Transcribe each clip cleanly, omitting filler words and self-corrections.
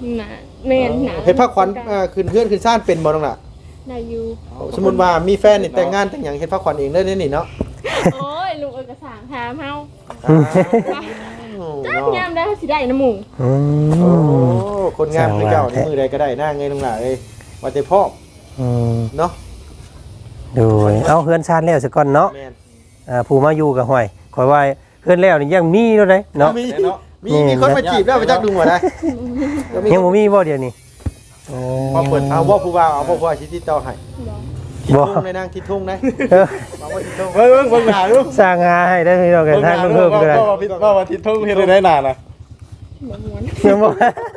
น่ะแม่นน่ะเฮ็ดผ้าขวัญขึ้นเฮือนขึ้นซ่านเป็นบ่น้องล่ะได้อยู่สมมุติว่ามีแฟนนี่แต่งงานแต่งหยังเฮ็ดผ้าขวัญเองได้นี่เนาะโอ้ยลุงเอกสารถามเฮาจ้างามได้สิได้น้ำหมูโอ้คนงามคือเจ้าในมือใดก็ได้หน้าเงยน้องล่ะเอ้ยว่าแต่พ่อเนาะดูเอาเฮือนชาติแล้วซะก่อนเนาะผู้มาอยู่กับห้อยขอยว่าเฮือนแล้วนี่ยังมีเนาะเด้เนาะมีคนมาจีบแล้วไปจักดูบ่ได้ยังบ่มีบ่เดี๋ยวนี้พอเปิดเอาว่าผู้บ่าวเอาผู้ว่าสิติดต่อให้บ่ในนางทิดทุ่งได้บอกว่าทิดทุ่งเบิ่งหน้าดูสร้างหาให้ได้พี่น้องกันทางเพิ่มก็ได้ว่าทิดทุ่งเฮ็ดได้หน้าน่ะบ่ม่วนยังบ่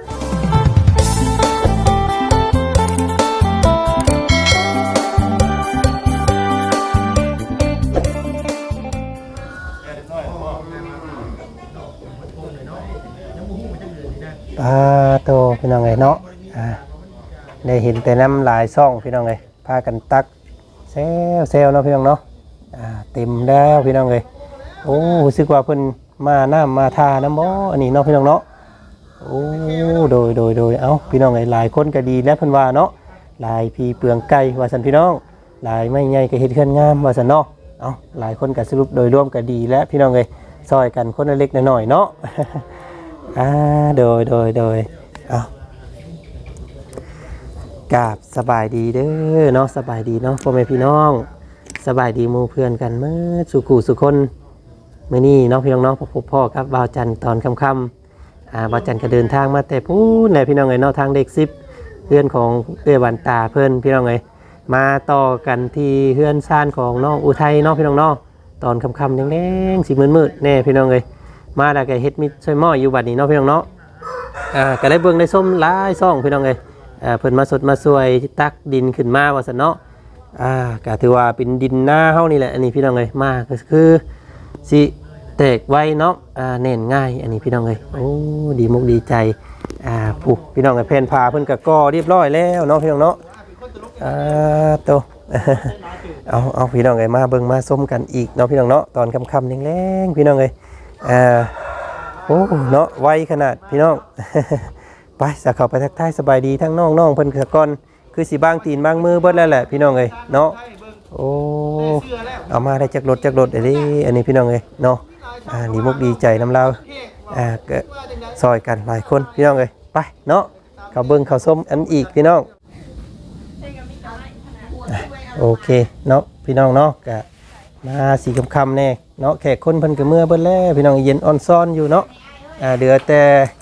โตพี่น้องไงเนาะได้เห็นแต่น้ำลายซ่องพี่น้องไงพากันตักเซลเนาะพี่น้องเนาะเต็มแล้วพี่น้องเลยโอ้รู้สึกว่าเพิ่นมาน้ำมาทาน้ำบ่อันนี้เนาะพี่น้องเนาะโอ้โดยเอ้าพี่น้องไงหลายคนก็ดีแล้วเพิ่นว่าเนาะหลายพีเปลืองไก่ว่าสันพี่น้องหลายไม่ใหญ่ก็เฮ็ดเฮือนงามว่าสันเนาะเอ้าหลายคนก็สรุปโดยรวมก็ดีแล้วพี่น้องเลยซอยกันคนละเล็กน้อยเนาะโดยเอากราบสบายดีเด้อเนาะสบายดีเนาะพ่อแม่พี่น้องสบายดีหมู่เพื่อนกันเมื่อสุขุสุคนเมื่อนี้เนาะพี่น้องเนาะพบพ่อครับบ่าวจันตอนค่ำบ่าวจันก็เดินทางมาแต่พูดในพี่น้องไงเนาะทางเด็ก10เพื่อนของเอื้อวันตาเพื่อนพี่น้องไงมาต่อกันที่เพื่อนซ่านของน้องอุทัยเนาะพี่น้องเนาะตอนค่ำแดงๆสีมืดแน่พี่น้องเลยมาแล้วก็เฮ็ดมิตรช่วยหม้ออยู่บัดนี้เนาะพี่น้องเนาะก็ได้เบิ่งได้ส้มหลายซ่องพี่น้องเลยเพิ่นมาสดมาสวยตักดินขึ้นมาว่าซั่นเนาะก็ถือว่าเป็นดินหน้าเฮานี่แหละอันนี้พี่น้องเลยมาก็คือสิแตกไวเนาะแน่นง่ายอันนี้พี่น้องเลยโอ้ดีมุกดีใจผู้พี่น้องกับแผ่นผ้าเพิ่นก็ก่อเรียบร้อยแล้วเนาะพี่น้องเนาะโตเอาพี่น้องเลยมาเบิ่งมาส้มกันอีกเนาะพี่น้องเนาะตอนค่ำๆแรงๆพี่น้องเลยโอ้เนาะไวขนาดพี่น้องไปสักเข้าไปทักทายสบายดีทั้งน้องเพิ่นสะก่อนคือสิบางตีนบางมือเบิดแล้วแหละพี่น้องเอ้ยเนาะโอ้เอามาได้จากรถอันนี้พี่น้องเอ้ยเนาะดีมุกดีใจน้ำเราก็ซอยกันหลายคนพี่น้องเอ้ยไปเนาะเขาเบิ่งเขาส้มอันอีกพี่น้องโอเคเนาะพี่น้องเนาะก็มาสีค่ำๆแน่เนาะแขกคนเพิ่นก็เมื่อเบิดแล้วพี่น้องเย็นอ่อนซ้อนอยู่เนาะเดือแต่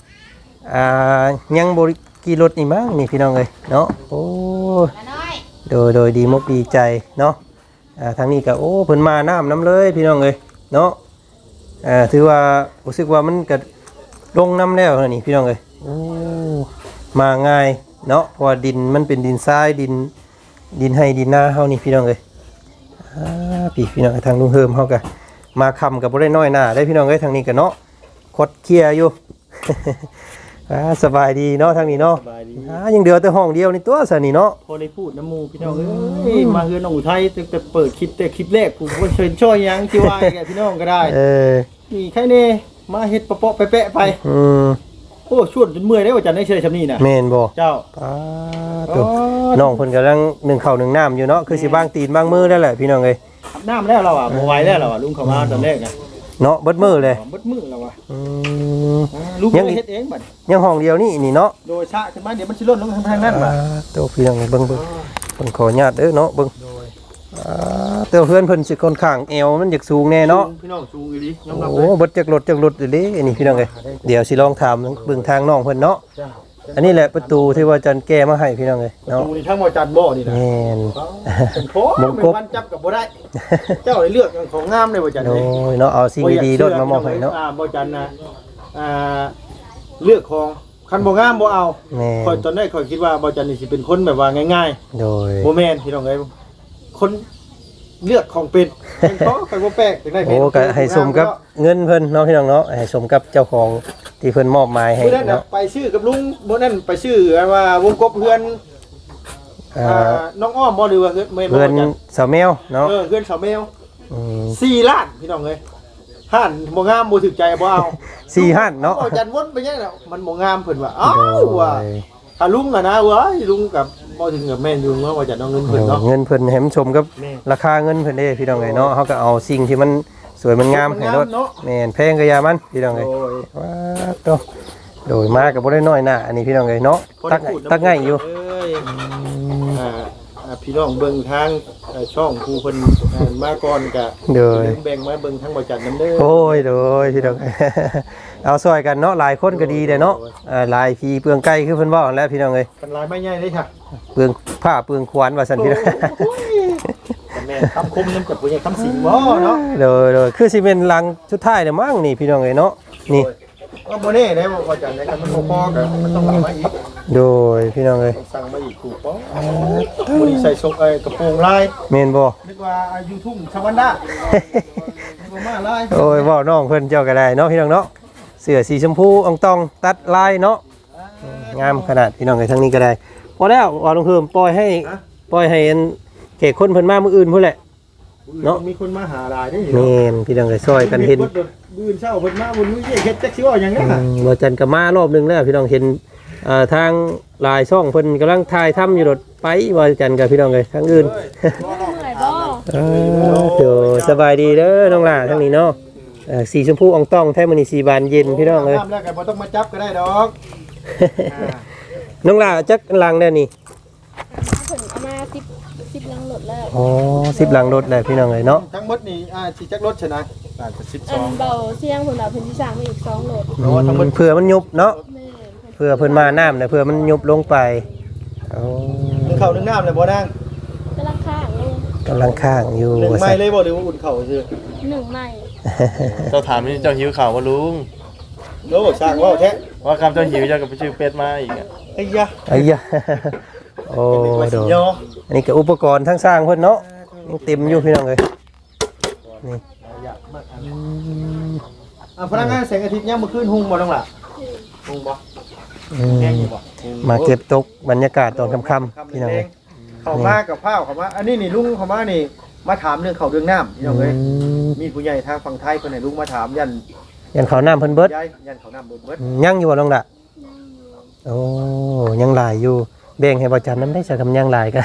ยังบริกีรถนี่มั้งนี่พี่น้องเลยเนาะโอ้โดยดีมุกดีใจเนาะทางนี้ก็โอ้เพิ่นมาน้ำเลยพี่น้องเลยเนาะถือว่ารู้สึกว่ามันก็ลงน้ำแล้วนี่พี่น้องเลยโอ้มาง่ายเนาะเพราะว่าดินมันเป็นดินทรายดินให้ดินหน้าเฮานี่พี่น้องเลยพี่น้องทางลุงเฮิมเฮาก็มาคำกับบ่ได้น้อยหน้าได้พี่น้องเลยทางนี้ก็เนาะคดเคลียร์อยู่สบายดีเนาะทางนี้เนาะยังเดือแต่ห้องเดียวในตัวสนี่เนาะพอได้พูดน้ำมูพี่น้องมาเฮือนน้องอุทัยแต่เปิดคลิปแรกกูก็เชิญช่วยยังที่ว่าแกพี่น้องก็ได้นี่แค่นี้มาเฮ็ดปะแปะไปโอ้ชวนจนเมื่อยได้ว่าจันได้เชยชำนี่น่ะแม่นบ่เจ้าน้องเพิ่นกำลังนึ่งข้าวนึ่งน้ำอยู่เนาะคือสิบางตีนบางมือได้แหละพี่น้องเอ้ยน้ำแล้วเราอ่ะบ่ไหวแล้วเราอ่ะลุงเข้ามาตอนแรกนะเนาะเบิดมือเลยเบิดมือแล้วว่ะลูกเฮ็ดเองบัดยังห้องเดียวนี่เนาะโดยชะขึ้นมาเดี๋ยวมันสิล้นลงทางนั้นบัดโตพี่น้องเบิ่งขออนุญาตเด้อเนาะเบิ่งเต้าเพื่อนเพิ่นสิค่อนข้างเอวมันอยากสูงแน่เนาะพี่น้องสูงอีหลียอมรับโอ้เบิดจักรถอีหลีอันนี้พี่น้องเอ้ยเดี๋ยวสิลองถามเบิ่งทางน้องเพิ่นเนาะอันนี้แหละประตูที่ว่าจันแก้มาให้พี่น้องเอ้ยเนาะประตูนี่ทั้งบ่จันบ่นี่นะแม่นบ่กบมันจับกับบ่ได้เจ้าได้เลือกของงามเลยบ่จันนี่โอ้ยเนาะเอาสิ่งดีๆรถมามอบให้เนาะบ่จันนะเลือกของคันบ่งามบ่เอาข่อยตอนแรกข่อยคิดว่าบ่จันนี่สิเป็นคนแบบว่าง่ายๆโดยบ่แม่นพี่น้องเอ้ยคนเลือกของเป็นเพราะข่อยบ่แปลกจังได๋โอ้ก็ให้สมกับเงินเพิ่นเนาะพี่น้องเนาะให้สมกับเจ้าของที่เพิ่นมอบหมายให้เนาะไปชื่อกับลุงบ่นั่นไปชื่อว่าวงกบเพื่อนน้องอ้อมบ่หรือว่าเพื่อนสาวแมวเนาะเพื่อนสาวแมว4 ล้านพี่น้องเอ้ยห่านบ่งามบ่ถึกใจบ่เอา 4หั่นเนาะอาจารย์วนไปยังแล้วมันบ่งามเพิ่นว่าอ้าวว่าถ้าลุงอะนะเว้ยลุงกับบ่ถึงกับแม่นอยู่เนาะว่าจะเอาเงินเพิ่นเนาะเงินเพิ่นให้มันชมกับแม่ราคาเงินเพิ่นเด้พี่น้องเอ้ยเนาะเฮาก็เอาสิ่งที่มันสวยมันงามให้รถเนาะแม่นแพงก็อย่ามันพี่น้องเอ้ยโอ้ยว้าโตโดยมาก็บ่ได้น้อยหน้าอันนี้พี่น้องเอ้ยเนาะตักง่ายอยู่เอ้ยพี่น้องเบิ่งทางช่องผู้เพิ่นมาก่อนก็โดยแบ่งมาเบิ่งทางบ่จัดนำเด้อโอ้ยโดยพี่น้อง เอาซอยกันเนาะหลายคนก็ดีเด้เนาะหลายพี่เปลืองไก่คือเพิ่นเว้าหั่นแหล้วพี่น้องเอ้ยเป็นลายไม้ใหญ่เลยค่ะเปลืองผ้าเปลืองขวานว่าซั่นพี่น้องแต่แม่คำคมนำกับผู้ใหญ่คำสิงบ่เนาะโดยคือสิเป็นหลังสุดท้ายเด้อมั้งนี่พี่น้องเอ้ยเนาะนี่ก็บ่แน่ได้บ่จัดในกันมันบ่พอก็มันต้องเอามาอีกโดยพี่น้องเอ้ยสั่งมาอีกถูกป่ะวันนี้ใส่ทรงกระโปรงลายแม่นบ่นึกว่ายูทูบชาวันด้านึกว่ามาลายโอ้ยเว้าน้องเพิ่นเจ้าก็ได้เนาะพี่น้องเนาะเสื้อสีชมพูอ่องตองตัดลายเนาะงามขนาดพี่น้องเอ้ยทั้งนี้ก็ได้พอแล้วว่าลงเพิ่มปล่อยให้อันแขกคนเพิ่นมามื้ออื่นพุ่นแหละ เนาะมีคนมาหาลายได้แม่นพี่น้องเอ้ยซอยกันเห็นบืนเช้าเพิ่นมาบนมือเฮ็ดจักสิว่าหยังไงล่ะบ่จันก็มารอบหนึงแล้วพี่น้องเห็นทางหลายช่องเพิ่นกำลังถ่ายทำอยู่รถไปว่าจันกับพี่น้องเอ้ยทางอื่นเหนื่อยบ่เดี๋ยวสบายดีเด้อน้องหล่าทั้งนี้เนาะสีชมพูอ่องต้องแท้มื้อนี้สีบานเย็นพี่น้องเอ้ยน้ำแล้วก็บ่ต้องมาจับก็ได้ดอกน้องหล่าจักลังได้นี่ผลเอามา10ลังหลดแล้วอ๋อ10หลังรถเลยพี่น้องเอ้ยเนาะทั้งหมดนี่สิจักรถชนะอาจจะอันเบาเสียงผลเราเพิ่นสิสร้างมาอีก2โหลด 12เพราะว่าทั้งหมดเผื่อมันยุบเนาะแม่เผื่อเพิ่นมาน้ำเนี่ยเผื่อมันยุบลงไปอ๋อนึ่งข้าวนึ่งน้ำเลยบ่นางกำลังข้างลงกำลังข้างอยู่นึ่งไม้เลยบ่หรือว่าอุ่นข้าวซื่อ 1ใหม่เจ้าถามนี่เจ้าหิวข่าวว่าลุงโลสร้างว่าแท้ว่าคำเจ้าหิวเจ้าก็ไปชื่อเป็ดมาอีกอะไอ้ยะไอ้ยะโอ้เป็นว่าโดสินยออันนี้ก็อุปกรณ์ทั้งสร้างเพิ่นเนาะยังเต็มอยู่พี่น้องเอ้ยนี่พนักงานแสงอาทิตย์ยามมื้อคืนหุงบ่ต้องล่ะหุงบ่อืมแห้งอยู่บ่มาเก็บตกบรรยากาศตอนค่ำๆพี่น้องเอ้ยเข้ามากับข้าวเข้ามาอันนี้นี่ลุงเข้ามานี่มาถามเรื่องข้าวเรื่องน้ำพี่น้องเอ้ยมีผู้ใหญ่ทางฝั่งไทยคนไหนลุงมาถามยันยันเขาวน้ำเพิ่นเบิดยายยันข้าวน้ำเบิดยังอยู่บ่น้องล่ะโอ้ยังหลายอยู่แบ่งให้บ่จันน้ำได้สักคำยังหลายก็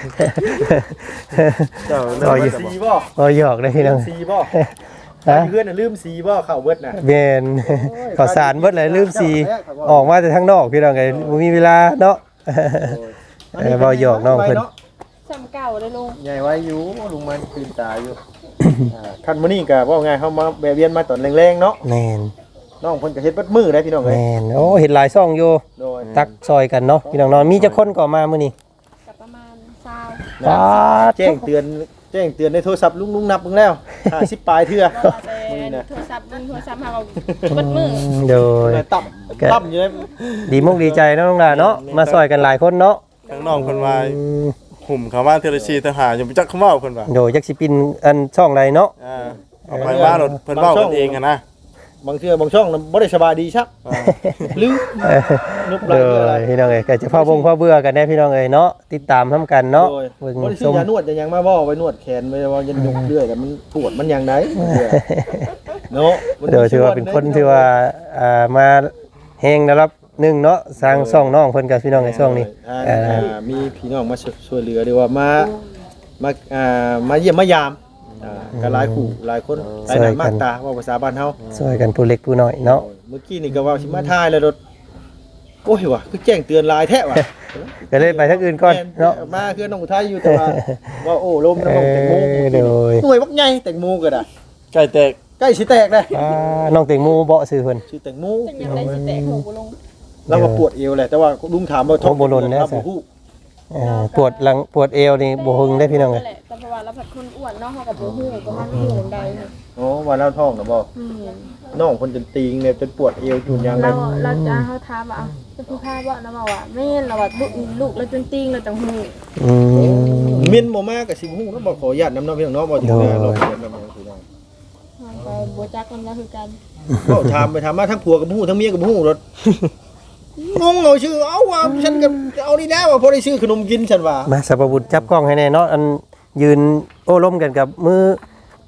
เจ้าต่ออยู่สีบ่บ่หยอกได้พี่น้องสีบ่ฮะเพื่อนน่ะลืมสีบ่ข้าวเบิดน่ะแม่นข้าวสารเบิดเลยลืมสีออกมาแต่ทางนอกพี่น้องไงบ่มีเวลาเนาะ บ่หยอกน้องเพิ่นซ้ำเก่าเลยลุงใหญ่ไว้อยู่ลุงมันคืนตาอยู่คันมื้อนี้ก็ว่าไงเฮามาแวะเวียนมาตอนแรงๆเนาะแม่นน้องเพิ่นก็เฮ็ดเบิดมื้อได้พี่น้องเอ้ยแม่นโอ้เห็นหลายซ่องอยู่โดยตักซอยกันเนาะพี่น้องนอนมีจักคนก็มามื้อนี้กับประมาณ20 ปาดแจ้งเตือนในโทรศัพท์ลุงนับเบิ่งแล้ว50ปลายเทื่อบ่ว่าแต่โทรศัพท์โทรศัพท์เฮาเบิดมือโดยต่ำอยู่เลยดีมุกดีใจเนาะน้องดาเนาะมาซอยกันหลายคนเนาะทั้งน้องคนว่าอืมหุ่มเขามาเทเลชีทหารอยู่จักเขาเว้าคนว่าโดยจักสิปินอันช่องใดเนาะเอาไปว่ารถเพิ่นเว้ากันเองอะนะบางเทื่อบางช่องน่ะบ่ได้สบายดีชักลืมนุบหโดลายเทื่ออะไรยพี่น้องเอ้ยก็จะพ่อเบื่อกันแน่พี่น้องเอ้ยเนาะติดตามทำกันเนาะโดยเบิ่งบ่ได้ซื้ชอมยานวดจะยังมาบ่ไว้นวดแขนไว้ว่ายันยกเรื่อยแต่มันปวดมันยังไดเนาะเดี๋ยวถือว่าเป็นคนที่ว่ามาแฮงนะครับหนึ่งเนาะสร้างซ่องน้องเพิ่นกับพี่น้องในซ่องนี้มีพี่น้องมาช่วยเหลือดีว่ามาเยี่ยมมายามก็หลายคู่หลายคนหลายหน้ามากตาว่าภาษาบ้านเฮาช่วยกันผู้เล็กผู้น้อยเนาะเมื่อกี้นี่ก็ว่าสิมาถ่ายแล้วรถโอ้ยว่ะคือแจ้งเตือนลายแท้ว่ะก็เลยไปทางอื่นก่อนเนาะมาคือน้องอุทัยอยู่แต่ว่าโอ้ลมน้องแตงโมโดยหน่วยบักใหญ่แตงโมก็ได้ใกล้แตกใกล้สิแตกเลยน้องเต็งหมูเบาะซื้อเพิ่นชื่อแตงโมเป็นยังไงสิแตกหูบ่ลงเราก็ปวดเอวแหละแต่ว่าลุงถามว่าท้องฮู้ปวดหลังปวดเอวนี่บ่หึงได้พี่น้องเอ้ยแหละแต่เพราะว่าเราผัดคนอ้วนเนาะเฮาก็บ่ฮู้ประมาณฮู้จังใดเนี่ยโอ้ว่าเราท้องนะบ่อืมน้องคนจนตีงเนี่ยจนปวดเอวจุนยางเลเรายจะเฮาถามว่าจะพูดค่าบ่นะว่าแม่นเราว่าลูกเราจนติงเราจังฮู้อืมมินบ่มากกับสิบฮู้แล้วบ่ขออนุญาตนำน้องพี่น้องบ่ถึงเราเรียนนำพี่น้องไปบ่จักกันแล้วคือกันก็ถามไปถามมาทั้งผัวกับฮู้ทั้งเมียกับฮู้รถงงเอาชื่อเอาว่าฉันก็เอานี่แล้วว่าพอได้ชื่อขนมกินฉันว่ามาสัพบุตรจับกล้องให้แน่เนาะอันยืนโอ้ล้มกันกับมือ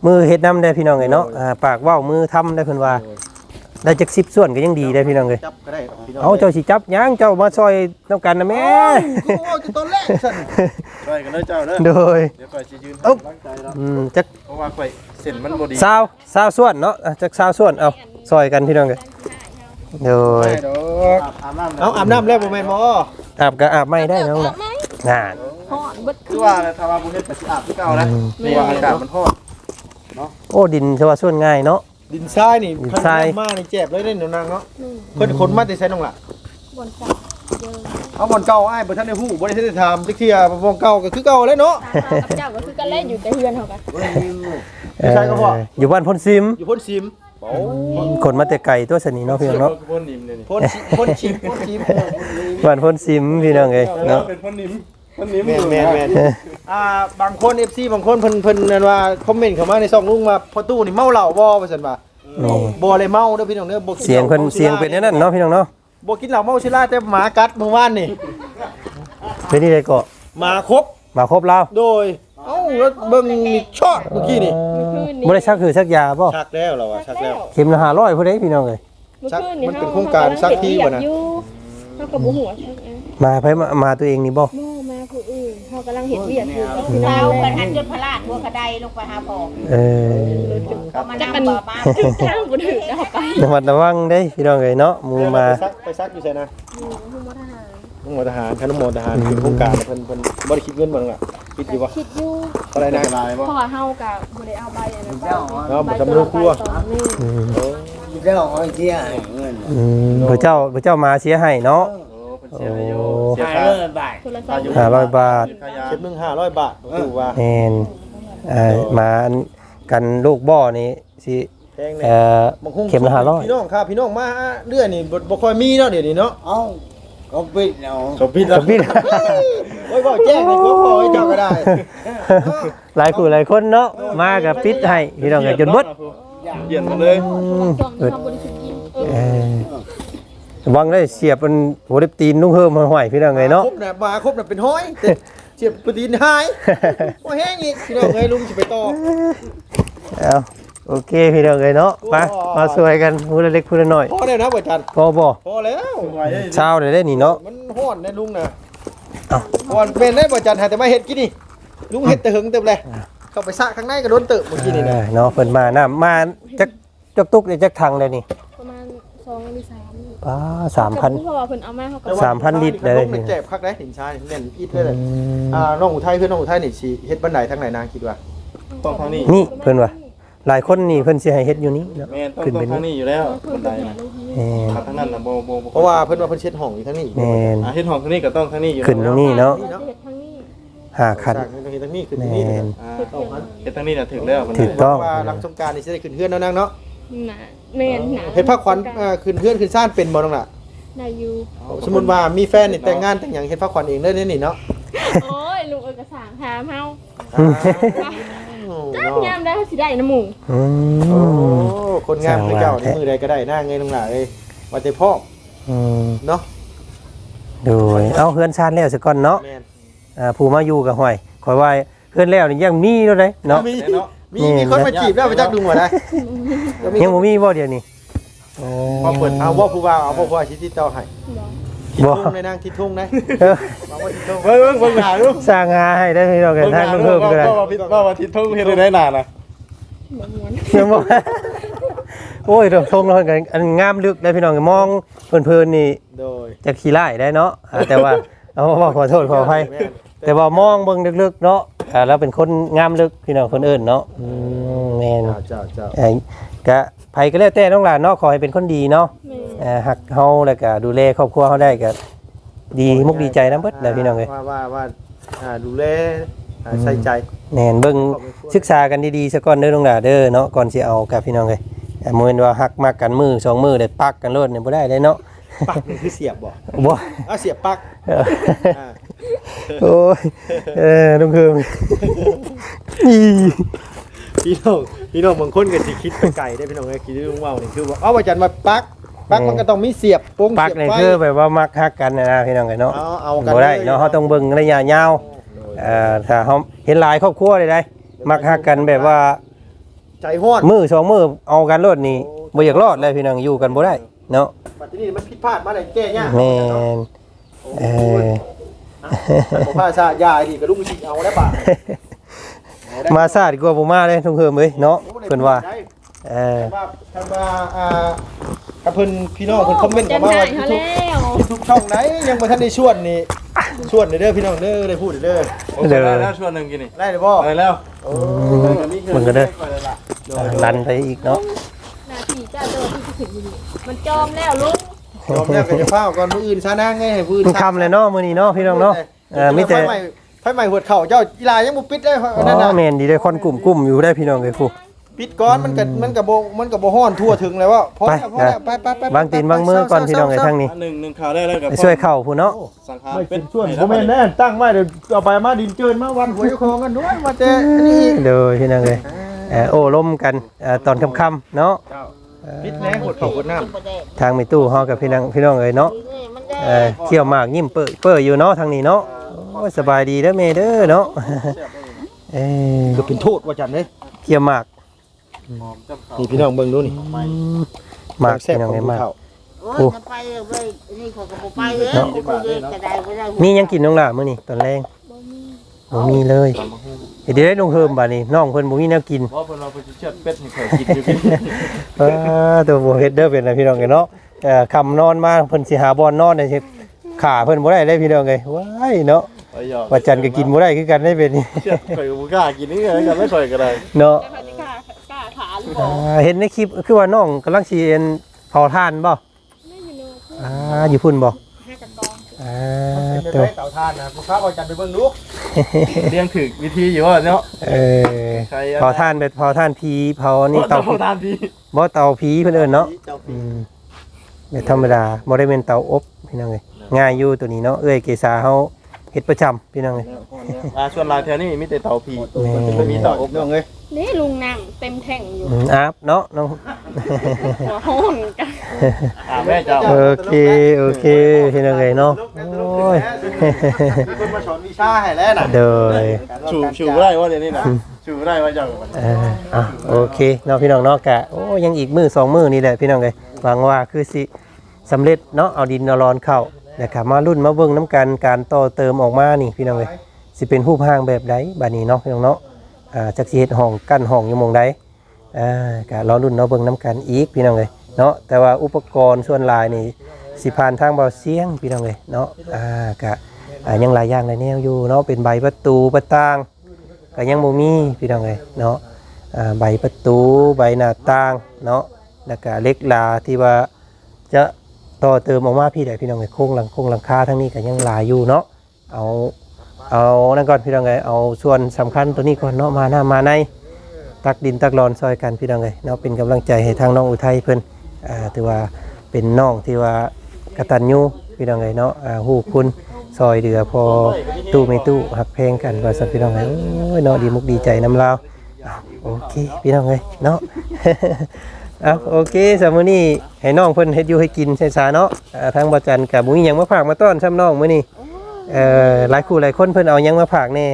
มือเฮ็ดน้ำได้พี่น้องเอ้ยเนาะปากเว้ามือทำได้เพิ่นว่าได้จัก10ส่วนก็ยังดีได้พี่น้องเอ้ยจับก็ได้พี่น้องเอาเจ้าสิจับหยังเจ้ามาซอยนำกันนะแม่กูเอาจะต้นแรกสั่นช่วยกันเด้อเจ้าเด้อโดยเดี๋ยวข่อยสิยืนให้กำลังใจแล้วจักเพราะว่าข่อยเส้นมันบ่ดีซาวส่วนเนาะจักซาวส่วนเอาซอยกันพี่น้องเอ้ยโดยได้ดอกเอาอาบน้ำแล้วบ่แม่นบ่อาบก็อาบไม่ได้น้องน่ะน่าฮ้อนเบิดคือว่าถ้าว่าบ่เฮ็ดก็สิอาบคือเก่านะเพราะว่าอากาศมันร้อนโอ้ดินสว่าส่วนง่ายเนาะดินทรายนี่ดินทรายคันน้ำมานี่เจ็บเลยเด้นางเนาะเพิ่นคนมาแต่ไสน้องล่ะบนจับเยอะเอาบ่อนเก่าอ้ายบ่ทันได้ฮู้บ่ได้ทันได้ถามจักเที่ยบ่อนเก่าก็คือเก่าเลยเนาะตากับเจ้าก็คือกันเล่นอยู่แต่เฮือนเฮากันอยู่ไสก็พออยู่บ้านพนซิมอยู่พ้นซิมคนมาแต่ไก่ตัวสนีเนาะพี่น้องเนาะพ่นนิ่มเลยนี่พ้นชิมพ้นชิมบ้านพนซิมพี่น้องเอ้ยเนาะเป็นพ่นนิ่มพ่นนิ่มแม่นบางคน FC บางคนเพิ่นนั่นว่าคอมเมนต์เข้ามาในช่องลุงว่าพ่อตู้นี่เมาเหล้าบ่ว่าซั่นว่านี่บ่เลยเมาเด้อพี่น้องเด้อบ่กินเสียงเพิ่นเสียงเป็นอย่างนั้นเนาะพี่น้องเนาะบ่กินเหล้าเมาชิล่าแต่หมากัดเมื่อวานนี่เป็นนี่ได้เกาะหมาครบมาครบแล้วโดยเอ้าแล้วเบิ่งนี่ชอดเมื่อกี้นี่บ่ได้ชักคือชักยาบ่ชักแล้วเหรอวะชักแล้วเข็มละ500พุ่นเด้พี่น้องเอ้ยมันเป็นโครงการซักที่บ่นะเฮากับบ่หัวชักเองมาไผมาตัวเองนี่บ่โม่มาผู้อื่นเฮากำลังเฮ็ดเวียกอยู่พี่น้เราองเป็นหันจนพลาดหัวกระไดลงไปหาพ่อเออเขามานั่งบ่มาทางบ่ถึงแล้วไประมัดระวังเด้พี่น้องเอ้ยเนาะหมู่มาไปซักอยู่ไสนะผู้บ่ทหารน้องหมอทหารคณะหมอทหารเป็นโครงการเพิ่นบ่ได้คิดเงินบ่นั่นล่ะคิดอยู่ว่าคิดอยู่เท่าไหร่นะลายบ่เพราะว่าเฮาก็บ่ได้เอาใบอันนั้นไปเอาบ่ทำเรื่องครัวนี่อืมเจ้าเอาเที่ยให้เงินพระเจ้ามาเสียให้เนาะโอ้เพิ่นเสียอยู่เสียหาค่าเงินบาทโทรศัพท์ 500 บาทค่ายาเช็ดมึง500 บาทบ่ถูกว่าแม่นมาอันกันลูกบ่อนี่สิแพงแน่ บางคงเข็มละพี่น้องครับพี่น้องมาเรื่อยนี่บ่ค่อยมีเนาะเดี๋ยวนี้เนาะเอ้าก็ปิดเอาสมพิษ 500กับพี่โอ้ยบ่แจ้งให้พวกพ่อให้เจ้าก็ได้หลายผู้หลายคนเนาะมากับปิดให้พี่น้องก็จนเบิดเปลี่ยนมาเลยช่วงนี้เฮาบ่ได้คิดกินวังได้เสียบมันหัวเล็บตีนนุ่งเฮิมห้อยๆพี่น้องไงเนาะครบน่ะมาครบน่ะเป็นห้อยแต่เจ็บปตีนหายบ่แห้งอีกพี่น้องเอ้ยลุงสิไปต่อเอาโอเคพี่น้องเลยเนาะมาช่วยกันผู้ละเล็กผู้ละน้อยพอแล้วนะบ่จันพอบ่พอแล้วเช้าได้นี่เนาะมันฮ้อนนะลุงน่ะเอ้าฮ้อนเป็นได้บ่จันหาแต่มาเฮ็ดกินนี่ลุงเฮ็ดแต่หึงเต็มเลยเข้าไปซะข้างในก็โดนเติบเมื่อกี้นี่นะเนาะเพิ่นมาน้ำมาจักตุกได้จักถังได้นี่ประมาณ2หรือ3 ป้าเพราะว่าเพิ่นเอามาเฮาก็ 3,000 ลิตรเลยลุงนี่เจ็บคักได้หินชายแน่นอิดเลยเลยน้องอุทัยคือน้องอุทัยนี่สิเฮ็ดบันไดทางไหนนางคิดว่าต้องทางนี้นี่เพิ่นว่าหลายคนนี่เพิ่นสิให้เฮ็ดอยู่นี่เนาะแม่นต้องขึ้นต้อไปงทางนี่นี้อยู่แล้วเพิ่บันนไดไปหานะลูกนี่แม่นทางนั้นน่ะบ่เพราะว่าเพิ่นว่าเพิ่นเช็ดห้องอยู่ทางนี้แม่นเฮ็ดห้องทางนี้ก็ต้องทางนี้อยู่ขึ้นตรงนี้เนาะเฮ็ดทางนี้ 5คันทางนี้ขึ้นแม่ทางนี้นเฮ็ดทางนี้น่ะถึงแล้วบันไดถูกต้องว่าหลังสงกรานต์นี่สิได้ขึ้นเฮือนแล้วนางเนาะน่ะแม่นน่ะเฮ็ดผ้าขวัญขึ้นเฮือนขึ้นซ่านเป็นบ่น้องล่ะได้อยู่สมมุติว่ามีแฟนนี่แต่งงานแต่งหยังเฮ็ดผ้าขวัญเองเด้อนี่เนาะโอ้ยลุงเอกสารถามเฮา จักเนาะยามได้สิได้น้ำหมูอืโอ้มคนงามคือเจ้านี่มือใดก็ได้หน้าเงยน้องล่ะเอ้ยว่าแต่พ่ออืมเนาะโดยเอาเฮือนชาติแล้วซะก่อนเนาะแม่นผู้มาอยู่กับห้อยข่อยว่าเฮือนแล้วนี่ยังมีอยู่เลยเนาะมีคนมาจีบแล้วไปจักดุงว่าได้ยังบ่มีบ่เดี๋ยวนี้โอ้พอเปิดเอาว่าผู้ว่าเอาผู้ว่าสิติดต่อให้ทิศบ่ทุ่งในนางทิศทุ่งนะบอกว่าทิศทุ่งเบิ่งหาดูสร้างหาให้ได้พี่น้องกันทางเพิ่มก็ได้ว่าทิศทุ่งเฮ็ดได้นานน่ะบ่ม่วนยังบ่โอ้ยดอกทงเรากันอันงามลึกได้พี่น้องมองเพลินๆนี่โดยจะขี้ร้ายได้เนาะแต่ว่าเอาว่าขอโทษขออภัยแต่ว่ามองเบิ่งลึกๆเนาะแล้วเป็นคนงามลึกพี่น้องคนอื่นเนาะแม่นเจ้าก็ไผก็แล้วแต่น้องหลานเนาะขอให้เป็นคนดีเนาะแม่หักเฮาแล้วก็ดูแลครอบครัวเฮาได้ก็ดีมุกดีใจนำเบิดแหละพี่น้องเอ้ยว่าดูแลใส่ใจแม่นเบิ่งศึกษากันดีๆซะก่อนเด้อน้องหลานเด้อเนาะก่อนสิเอากับพี่น้องเอ้ยมื้อนี้ว่าฮักมากกันมือ2มือได้ปักกันโลดเนี่ยบ่ได้เลยเนาะปักนี่คือเสียบบ่บ่เสียบปักโอ้ยลุงเคิมพี่น้องบางคนก็สิคิดไปไกลได้พี่น้องเอ้ยคิดลุงว่าวนี่คือว่าเอาว่าจันมาปักมันก็ต้องมีเสียบโป้งปักเสียบนี่ไฟคือแบบว่ามักฮักกันนะพี่น้องเอ้ยเนาะเอากันบ่ได้เนาะเฮาต้องเบิ่งระยะยาวถ้าเฮาเห็นหลายครอบครัวได้มักฮักกันแบบว่าใจฮ้อนมือ2มือเอากันรถนี่บ่อยากรอดเลยพี่น้องอยู่กันบ่ได้เนาะบัดนี้มันผิดพลาดมาได้แก้ยากแม่นผมพาซะยาอีกก็ลุงสิเอาแล้วบาดมาซาดีกว่าบ่มาเลยทุ่งเฮิมเอ้ยเนาะเพิ่นว่าท่านว่ากับเพิ่นพี่น้องเพิ่นคอมเมนต์เข้ามาว่าเขาแล้วทุกช่องไหนยังบ่ทันได้ชวนนี่ชวนเด้อพี่น้องเด้อได้พูดเด้อได้แล้วชวนนึงกินนี่ได้เลยบ่ได้แล้วมันก็เด้อลันไปอีกเนาะนาทีจ้าโดนที่ถึงอยู่มันจองแล้วลุงยอมแล้วก็จะฟ้าวก่อนมื้ออื่นซะนางไงให้มื้ออื่นมันค่ำเลยเนาะมื้อนี้เนาะพี่น้องเนาะมีแต่ไฟใหม่หัวเข่าเจ้ากีฬายังบ่ปิดได้อ๋นั่นน่ะอแม่นดีได้คนกลุ่มอยู่ได้พี่น้องเอ้ยครูปิดก่อนมันก็บ่ฮ้อนทั่วถึงแล้วว่าพอแล้วไปบางตีนบางมือก่อนพี่น้องไอ้ทางนี้หนึ่งข่าวได้แล้วกับช่วยเข้าผู้เนาะสังขารไม่เป็เป็น นส่วนบ่แม่นแน่ตั้งไว้เดี๋ยวเอาไปมาดินเจินมาวันหัวเจ้าของกันด้วยมาแต่นี่เด้อพี่น้องเอ้ยโอ้ล้มกันตอนค่ำๆเนาะปิดแน่หัวเข่าหัวน้ำทางมีตู้ฮอกับพี่น้องเอ้ยเนาะเขี่ยวหมากยิ้มเปื้ออยู่เนาะทางนี้เนาะโอ้สบายดีเด้อแม่เด้อเนาะก็เป็นโทษว่าจันเด้เขี่ยวหมากนี่พี่น้องเบิ่งดูนี่หมากพี่น้องเอ้ยหมากโอ้ยจะไปเลยนี่เขาก็บ่ไปแล้วกูเลยจะได้บ่ได้มียังกินน้องล่ะมื้อนี้ตอนแรงบ่มีเลยเดี๋ยวได้ลงเฮิมบัดนี้น้องเพิ่นบ่มีแนวกินเพราะเพิ่นเราไปเชือดเป็ดให้เขากินอยู่กินตัวบ่เฮ็ดเด้อเป็นนะพี่น้องเอ้ยเนาะค่ำนอนมาเพิ่นสิหาบ่อนนอนได้สิขาเพิ่นบ่ได้เลยพี่น้องเอ้ยว้ายเนาะไปหยอกว่าจันก็กินบ่ได้คือกันได้เป็นนี่เชือดข่อยก็บ่กล้ากินนี่ไงกันไม่ข่อยก็ได้เนาะจะเขาจะกล้าหรือเปล่าเห็นในคลิปคือว่าน้องกำลังสิเอ็นเผาถ่านบ่อยู่พุ่นบ่ตัวเต่าทานนะผู้ค้าว่าจันไปเบิ่งดูเลี้ยงถึกวิธีอยู่ว่าเนาะเผาถ่านแบบเผาถ่านผีเผานี่เตาทานดีบ่เตาผีเพิ่นเอิ้นเนาะแบบธรรมดาบ่ได้เป็นเตาอบพี่น้องเอ้ยง่ายอยู่ตัวนี้เนาะเอ้ยเกษาเฮาเฮ็ดประจำพี่น้องเอ้ยส่วนลายแถวนี้มีแต่เตาผีไม่มีเต่าอบน้องเอ้ยนี่ลุงนั่งเต็มแท่งอยู่อาบเนาะน้องหัวโหนกันแม่เจ้าโอเคพี่น้องเอ้ยเนาะโอ้ยมีคนมาสอนวิชาให้แล้วน่ะเด้อชูบ่ได้ว่าเดี๋ยวนี้นะชูบ่ได้ว่าเจ้าโอเคเนาะพี่น้องเนาะกะโอ้ยังอีกมื้อ2มื้อนี่แหละพี่น้องเอ้ยหวังว่าคือสิสำเร็จเนาะเอาดินเอาร้อนเข้านะครับมารุ่นมาเบิ่งน้ำกันการต่อเติมออกมานี่พี่น้องเอ้ยสิเป็นรูปร่างแบบใดบัดนี้เนาะพี่น้องเนาะจักสิเฮ็ดห้องกั้นห้องอยู่หม่องใดก็รอรุ่นเนาะเบิ่งน้ำกันอีกพี่น้องเอ้ยเนาะแต่ว่าอุปกรณ์ส่วนหลายนี่สิผ่านทางเบาเสียงพี่น้องเอ้ยเนาะก็ยังหลายอย่างหลายแนวอยู่เนาะเป็นใบประตูประต่างก็ยังบ่มีพี่น้องเอ้ยเนาะใบประตูใบหน้าต่างเนาะแล้วก็เหล็กลาที่ว่าจะต่อเติมออกมาพี่ได้พี่น้องเอ้ยโครงหลังคาทั้งนี้ก็ยังหลายอยู่เนาะเอานั่นก่อนพี่น้องเอ้ยเอาส่วนสำคัญตัวนี้ก่อนเนาะมาหน้ามาในตักดินตักรอนซอยกันพี่น้องเอ้ยเนาะเป็นกำลังใจให้ทางน้องอุทัยเพิ่นถือว่าเป็นน้องที่ว่ากตัญญูพี่น้องเอ้ยเนาะฮู้คุณซอยเดือพอตู้ไม่ตู้หักเพลงกันว่าสัตว์พี่น้องเอ้ยโอ้ยเนาะดีมุกดีใจน้ำลาวโอเคพี่น้องเอ้ยเนาะ โอเคสำมื้อนี้ให้น้องเพิ่นเฮ็ดอยู่ให้กินใช่ซะเนาะทางบ่จันกับบ่มีหยังมาฝากมาต้อนซ้ำน้องมื้อนี้หลายคู่หลายคนเพิ่นเอาหยังมาฝากแน่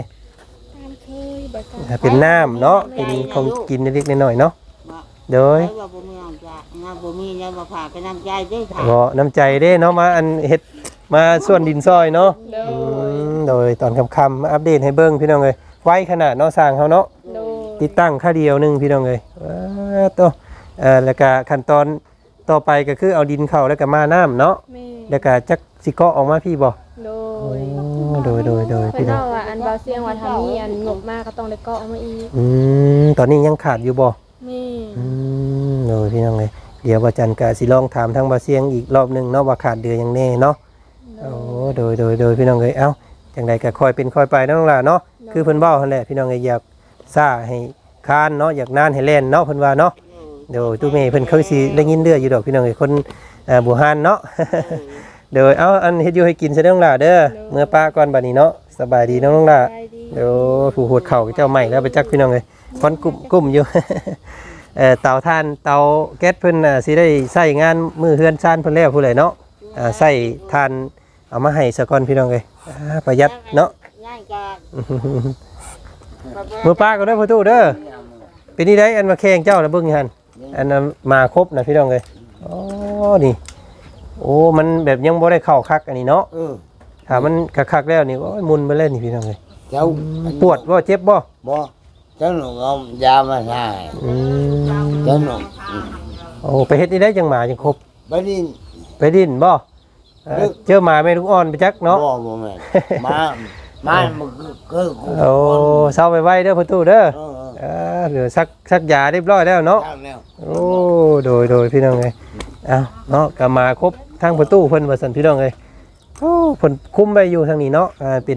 เป็นน้ำเนาะเป็นของกินเล็กๆน้อยๆเนาะโดยว่าบ่มีน้ำใจน้ำบ่มีแล้วมาพาไปน้ำใจได้ค่ะบ่น้ำใจเด้เนาะมาอันเฮ็ดมาส่วนดินซอยเนาะโดยตอนค่ำๆมาอัปเดตให้เบิ่งพี่น้องเอ้ยไวขนาดเนาะสร้างเฮาเนาะติดตั้งค่าเดียวนึงพี่น้องเอ้ยตัวแล้วก็ขั้นตอนต่อไปก็คือเอาดินเข้าแล้วก็มาน้ำเนาะแล้วก็จักสิเกาะออกมาพี่บ่โดยเพิ่พี่นน้องเอาว่าอันเบาเสียงว่าทำนี้อันงบมากก็ต้องได้เกาะเอามาอีกตอนนี้ยังขาดอยู่บ่แม่โดยพี่น้องเลยเดี๋ยวว่าจันก็สิลองถามทางบ่เสียงอีกรอบนึงเนาะว่าขาดเดือยังแน่เนาะโอ้โดยพี่น้องเลยเอ้าจังใดก็ค่อยเป็นค่อยไปเนาะน้องล่ะเนาะคือเพิ่นเว้าหั่นแหละพี่น้องเอ้ยอยากซ่าให้คานเนาะอยากนานให้แล่นเนาะเพิ่นว่าเนาะเดี๋ยวตู้เมย์เพิ่นเคยสิได้ยินเด้ออยู่ดอกพี่น้องเอ้ยคนบูฮานเนาะ เดี๋ยวเอาอันเฮ็ดอยู่ให้กินซะเด้อน้องล่ะเด้อเมื่อป้าก่อนบัดนี้เนาะสบายดีน้องล่ะเดี๋ยวผู้โหดเข่าเจ้าใหม่แล้วไปจักพี่น้องเอ้ยควันกุ้มอยู่ เตาถ่านเตาแก๊สเพิ่นสิได้ใช้งานมือเฮือนซ่านเพิ่นแล้วผู้ใดเนาะใช้ถ่านเอามาให้ซะก่อนพี่น้องเอ้ยประหยัดเนาะง่ายก็มือป้าก็ได้อพ่อตู้เด้อเป็นนี่ได้อันมาแข่งเจ้านะเบิ่งหั่นอันนั้นมาครบนะพี่น้องเอ้ยอ๋อนี่โอ้มันแบบยังบ่ได้เข้าคักอันนี้เนาะถ้ามันคักๆแล้วนี่โอ้ยมุนไปเล่นนี่พี่น้องเอ้ยเจ้าปวดบ่เจ็บบ่บ่เจ้าหนูเอายามาให้อืมเจ้าหนูโอ้ไปเฮ็ดนี่ได้จังหมาจังครบไปดินไปดิ้นบ่เจอหมาแม่ลูกอ่อนไปจักเนาะบ่แม่นมามันคือโอ้เศร้าไปไว้เด้อประตูเด้อเหลือซักยาเรียบร้อยแล้วเนาะทางแล้วโอ้โดยพี่น้องเอ้ยเอาเนาะก็มาครบทางประตูเพิ่นว่าซั่นพี่น้องเอ้ยโอ้เพิ่นคุมไว้อยู่ทางนี้เนาะเป็น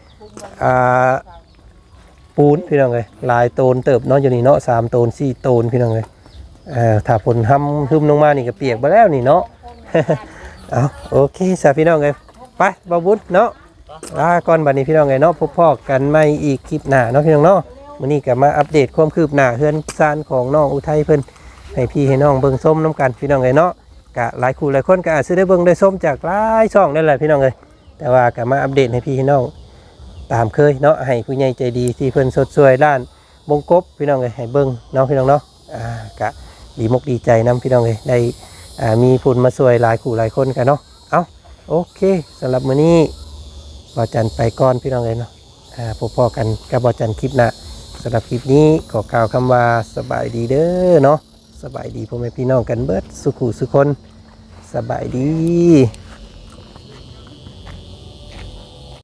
ปูนพี่น้องเอ้ยลายโตนเติบเนาะอยู่นี่เนาะ3โตน4โตนพี่น้องเอ้ยถ้าฝนห้ำทึมลงมานี่ก็เปียกไปแล้วนี่เนาะ เอาโอเคสาพี่น้องเอ้ยไปบ่าวบุญเนาะลาก่อนบัดนี้พี่น้องเอ้ยเนาะพบพ่อกันใหม่อีกคลิปหน้าเนาะพี่น้องเนาะมื้อนี้ก็มาอัปเดตความคืบหน้าเฮือนซานของน้องอุทัยเพิ่นให้พี่ให้น้องเบิ่งส้มน้ำกันพี่น้องเอ้ยเนาะก็หลายคู่หลายคนก็อาจสิได้เบิ่งได้ส้มจากหลายช่องนั่นแหละพี่น้องเอ้ยแต่ว่าก็มาอัปเดตให้พี่ให้น้องตามเคยเนาะให้ผู้ใหญ่ใจดีที่เพิ่นสดสวยด้านบงกบพี่น้องเอ้ยให้เบิ่งเนาะพี่น้องเนาะก็ดีมกดีใจนํพี่น้องเอ้ยได้มีผู้มาช่วยหลายคู่หลายคนกันเนาะเอาโอเคสำหรับมื้อนี้บ่าวจันไปก่อนพี่น้องเอ้ยเนาะพบพ่อกันกับบ่าวจันคลิปหน้าสำหรับคลิปนี้ขอกล่าวคำว่าสบายดีเด้อเนาะสบายดีพ่อแม่พี่น้องกันเบิดสุขุสุคนสบายดี